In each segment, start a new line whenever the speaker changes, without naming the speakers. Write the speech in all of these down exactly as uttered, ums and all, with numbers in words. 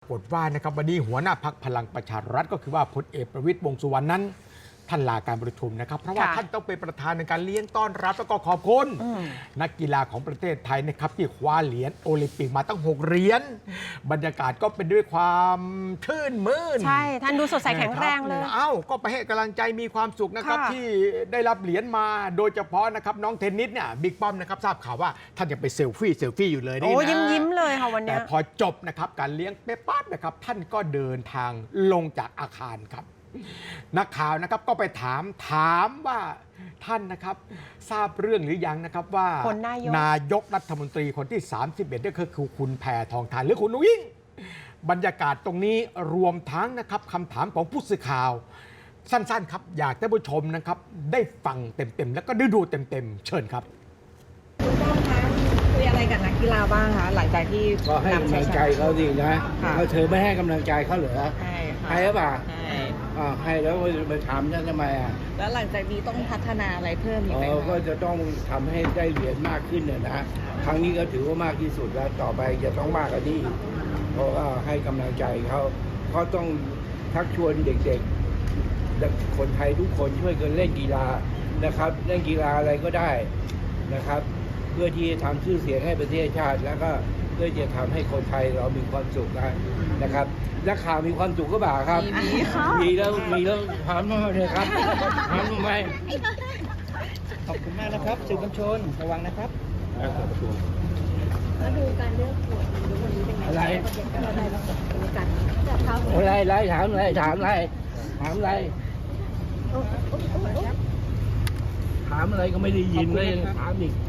ากฏว่านะครับวันนี้หัวหน้าพรรคพลังประชารัฐก็คือว่าพลเอกประวิตรวงษ์สุวรรณนั้นท่านลาการประชุมนะครับเพราะว่าท่านต้องเป็นประธานในการเลี้ยงต้อนรับแล้วก็ขอบคุณนักกีฬาของประเทศไทยนะครับที่คว้าเหรียญโอลิมปิกมาตั้งหกเหรียญบรรยากาศก็เป็นด้วยความชื่นมื่น
ใช่ท่านดูสดใสแข็งแรงเลย
เอ้าก็ไปให้กำลังใจมีความสุขนะครับที่ได้รับเหรียญมาโดยเฉพาะนะครับน้องเทนนิสเนี่ยบิ๊กป้อมนะครับทราบข่าวว่าท่านยังไปเซลฟี่เซลฟี่อยู่เลยนี่นะ
โอ้ยิ้มยิ้มเลยค่ะวันนี้
แต่พอจบนะครับการเลี้ยงเป๊ะปั๊บนะครับท่านก็เดินทางลงจากอาคารครับนักข่าวนะครับก็ไปถามถามว่าท่านนะครับทราบเรื่องหรือยังนะครับว่านายกนายกรัฐมนตรีคนที่สามสิบเอ็ดก็คือคุณแพทองธารหรือคุณนุ้งอิงบรรยากาศตรงนี้รวมทั้งนะครับคำถามของผู้สื่อข่าวสั้นๆครับอยากให้ผู้ชมนะครับได้ฟังเต็มๆแล้วก็ได้ดูเต็มๆเชิญครับ
คุณป้อมคะคุยอะไรกับนักกีฬาบ้างคะหลังจากที่
ก็ให้กำลังใจเขาดีนะเขาเธอไม่ให้กำลังใจเขาเหรอ
ให้
ให้หรือเปล่า
ให้
อ่าให้แล้วมาถามฉันทำไมอ่ะ
แล้วหลังจากนี้ต้องพัฒนาอะไรเพิ่มอีกไหม
คะก็จะต้องทำให้ได้เหรียญมากขึ้นเนี่ยนะครั้งนี้ก็ถือว่ามากที่สุดแล้วต่อไปจะต้องมากกว่านี้เพราะว่าให้กำลังใจเขาเขาต้องชักชวนเด็กๆคนไทยทุกคนช่วยกันเล่นกีฬานะครับเล่นกีฬาอะไรก็ได้นะครับเพื่อที่จะทำชื่อเสียงให้ประเทศชาติแล้วก็เพื่อจะทำให้คนไทยเรามีความสุขนะครับนักข่าวมีความสุขก็บ่าครับ
มีค่ะ
มีแล้วมีแล้วถามมาเลยครับถามมาไหม
ขอบคุณมากนะครับสื่อมวลชนระวังนะครับ
มาดูการเลือกขวดวันนี้เป็นไง
อะไร
เราได้รับการจับเท้า
อะไรอะไรถามอะไรถามอะไรถามอะไรถามอะไรก็ไม่ได้ยินเลยถามอีก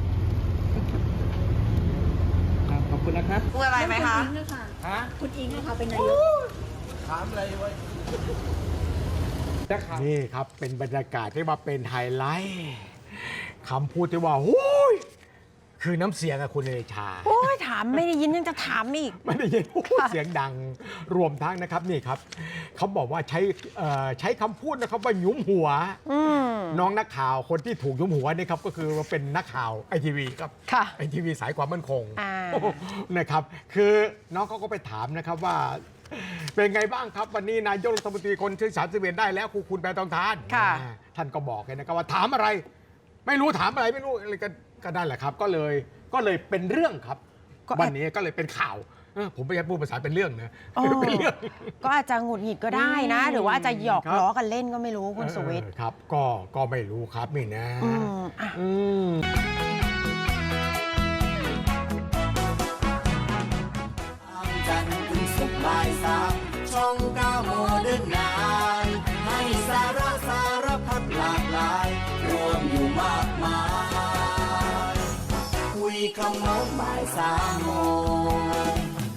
ขอบคุณนะครับ
พูดอะไรไหมคะ
ฮะ
คุณอิงนะคะเป็นนายก
ถามอะไรไว้
นี่ครับเป็นบรรยากาศที่มาเป็นไฮไลท์คำพูดที่ว่าโอ้ยคือน้ำเสียงอะคุณเอชา
โอ้ยถามไม่ได้ยินยังจะถามอีก
ไม่ได้ยินเสียงดังรวมทั้งนะครับนี่ครับเขาบอกว่าใช้ใช้คำพูดนะครับว่าหยุมหัวน้องนักข่าวคนที่ถูกหยุมหัวนี่ครับก็คือเป็นนักข่าวไอทีวีครับไอทีวีสายความมั่นคงนะครับคือน้องเขาก็ไปถามนะครับว่าเป็นไงบ้างครับวันนี้นายกรัฐมนตรีคนที่สามสิบเอ็ดได้แล้วครูคุณแพทองธารท่านก็บอกเลยนะครับว่าถามอะไรไม่รู้ถามอะไรไม่รู้อะไรกันก็ได้แหละครับก็เลยก็เลยเป็นเรื่องครับวันนี้ก็เลยเป็นข่าวผมไม่ใช่พูดภาษาเป็นเรื่องนะเป็นเรื่อง
ก็อาจจะหงุดหงิดก็ได้นะหรือว่าจะหยอกล้อกันเล่นก็ไม่รู้คุณสุวิทย์
ครับก็ก็ไม่รู้ครับนี่นะ
จันทร์ถึงศุกร์บ่ายสามช่องเก้าโมเดิร์นไนน์ให้สาระสารพัดหลากหลายรวมอยู่มากมายคุยคำโน้นบ่ายสามโมง